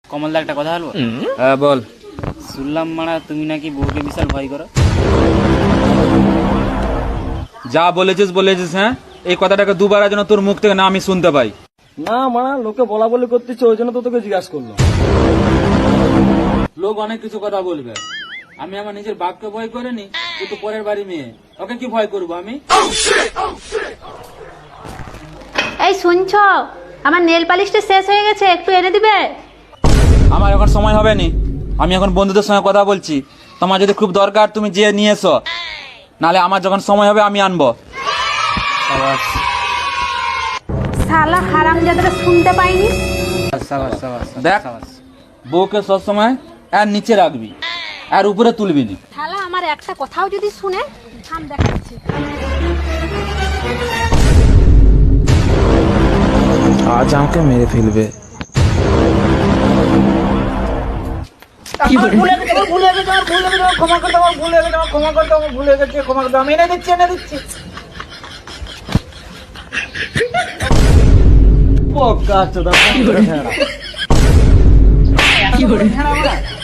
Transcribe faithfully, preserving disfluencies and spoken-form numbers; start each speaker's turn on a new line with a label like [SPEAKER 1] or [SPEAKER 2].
[SPEAKER 1] কমলদা একটা কথা বলবো?
[SPEAKER 2] হ্যাঁ বল।
[SPEAKER 1] শুনলাম মারা তুমি নাকি বউকে বিশাল ভয় করো।
[SPEAKER 2] যা বলেছিস বলেছিস। হ্যাঁ, এই কথাটাকে দুবার যেন তোর মুখ থেকে না আমি শুনতে পাই।
[SPEAKER 3] না মানা, লোকে বলা বলি করতেছে, ওই জন্য তো তোকে জিজ্ঞাসা করলো।
[SPEAKER 2] লোক অনেক কিছু কথা বলবে, আমি আমার নিজের বাপকে ভয় করিনি, তুই তো পরের বাড়ি মেয়ে, ওকে কি ভয় করবো আমি?
[SPEAKER 4] এই শুনছো, আমার নেল পালিশটা শেষ হয়ে গেছে, একটু এনে দিবে?
[SPEAKER 2] আমার এখন সময় হবে নি, আমি এখন বন্ধুদের সঙ্গে কথা বলছি। তোমার যদি খুব দরকার তুমি যেয়ে নিয়ে এসো, নালে আমার যখন সময় হবে আমি আনবো।
[SPEAKER 4] শালা হারামজাদাটা শুনতে পাইনি।
[SPEAKER 1] সাবাস সাবাস
[SPEAKER 2] দেখ, বউকে সবসময় আর নিচে রাখবি, আর উপরে তুলবি না।
[SPEAKER 4] শালা আমার একটা কথাও যদি শুনে, থাম দেখাচ্ছি।
[SPEAKER 5] আজ আমাকে মেরে ফেলবে।
[SPEAKER 3] ভুলে গেছে, আমার ভুলে গেছে, আমার ভুলে গেছে, আমার ক্ষমা করে দাও, আমার ভুলে গেছে, আমার ক্ষমা করে দাও, আমার ভুলে গেছে, ক্ষমা করে দাও, আমি এনে দিচ্ছি, এনে দিচ্ছি। ও কাজ তো দাও, কি করে ছেড়া? কি করে ছেড়া?